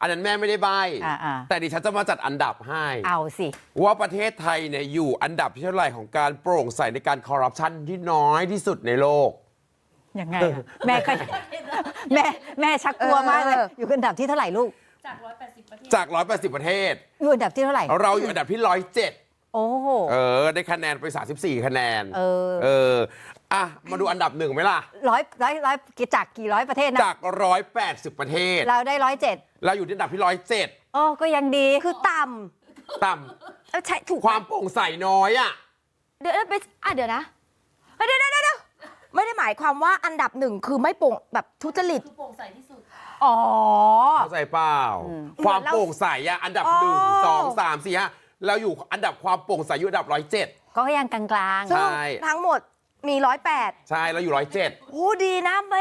อันนั้นแม่ไม่ได้ใบ แต่ดิฉันจะมาจัดอันดับให้เอาสิว่าประเทศไทยเนี่ยอยู่อันดับที่เท่าไหร่ของการโปร่งใสในการคอร์รัปชันที่น้อยที่สุดในโลกยังไงแม่ก็แม่ชักกลัวมากเลยอยู่อันดับที่เท่าไหร่ลูกจาก180ประเทศอยู่อันดับที่เท่าไหร่เราอยู่อันดับที่107โอ้โหได้คะแนนไป34คะแนนอ่ะมาดูอันดับ1ไหมล่ะร้อยจากกี่ร้อยประเทศนะจาก180ประเทศเราได้107 เราอยู่ที่อันดับที่107 ก็ยังดีคือต่ำใช่ถูกความโปร่งใสน้อยอ่ะเดี๋ยวไปเดี๋ยวนะเดี๋ยวไม่ได้หมายความว่าอันดับ1คือไม่โปร่งแบบทุจริตโปร่งใสที่สุดเข้าใจเปล่าความโปร่งใสอ่ะอันดับ1 2 3 4 5เราอยู่อันดับความโปร่งใสอยู่อันดับ107 ก็ยังกลางๆใช่ทั้งหมดมี108 ใช่เราอยู่107 โอ้ดีนะไม่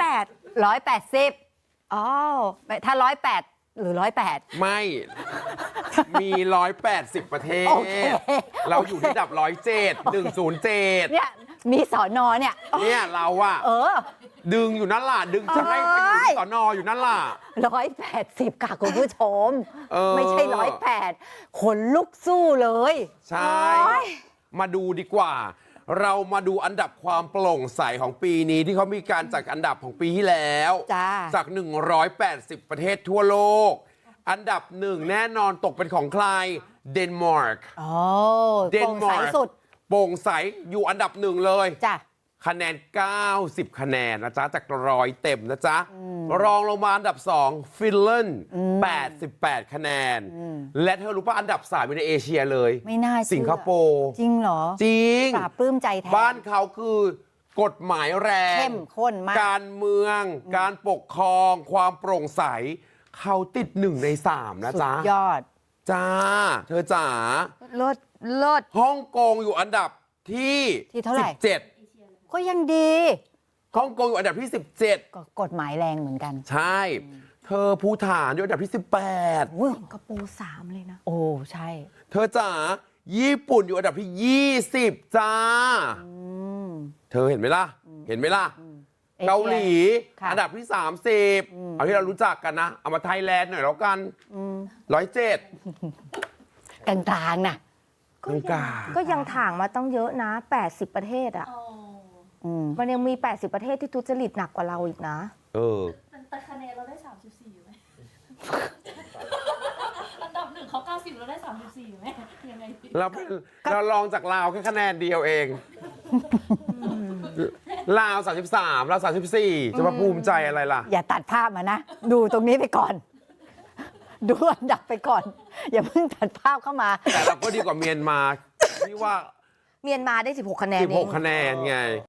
180อ๋อถ้า108หรือ108 ไม่มี180ประเทศเราอยู่ที่อันดับ107 เนี่ยมีสอนอเนี่ยเราอะดึงอยู่นั่นล่ะดึงจะให้ไปอยู่ที่สอนออยู่นั่นล่ะ 180ค่ะคุณผู้ชมไม่ใช่108ขนลุกสู้เลยใช่มาดูดีกว่าเรามาดูอันดับความโปร่งใสของปีนี้ที่เขามีการจัดอันดับของปีที่แล้วจาก180ประเทศทั่วโลกอันดับ1แน่นอนตกเป็นของใครเดนมาร์กเดนมาร์กสุดโปร่งใสอยู่อันดับ1เลยจ้ะคะแนน90คะแนนนะจ๊ะจาก100เต็มนะจ๊ะรองลงมาอันดับ2ฟินแลนด์88คะแนนและเธอรู้ป่ะอันดับ3อยู่ในเอเชียเลยไม่น่าเชื่อสิงคโปร์จริงเหรอจริงปราบปลื้มใจแทนบ้านเขาคือกฎหมายแรงเข้มข้นมากการเมืองการปกครองความโปร่งใสเขาติด1ใน3นะจ๊ะสุดยอดจ้าเธอจ๋าเลิศฮ่องกงอยู่อันดับที่เท่าไหร่ 17 ก็ยังดีฮ่องกงอยู่อันดับที่17 ก็กฎหมายแรงเหมือนกันใช่เธอภูฏานอยู่อันดับที่18 สิงคโปร์3เลยนะโอ้ใช่เธอจ๋าญี่ปุ่นอยู่อันดับที่20จ้าเธอเห็นไหมล่ะเกาหลีอันดับที่30เอาที่เรารู้จักกันนะเอามาไทยแลนด์หน่อยแล้วกัน107 กลางๆนะก็ยังถ่างมาต้องเยอะนะ80ประเทศอ่ะมันยังมี80ประเทศที่ทุจริตหนักกว่าเราอีกนะแต่คะแนนเราได้34อยู่ไหมอันดับ1เขา90เราได้34อยู่ไหมยังไงเราลองจากลาวแค่คะแนนเดียวเองลาว33เรา34จะมาภูมิใจอะไรล่ะอย่าตัดภาพมานะดูตรงนี้ไปก่อนดูอันดับไปก่อนอย่าเพิ่งตัดภาพเข้ามาแต่เราก็ดีกว่าเมียนมาที่ว่าเมียนมาได้16คะแนน 16คะแนนไง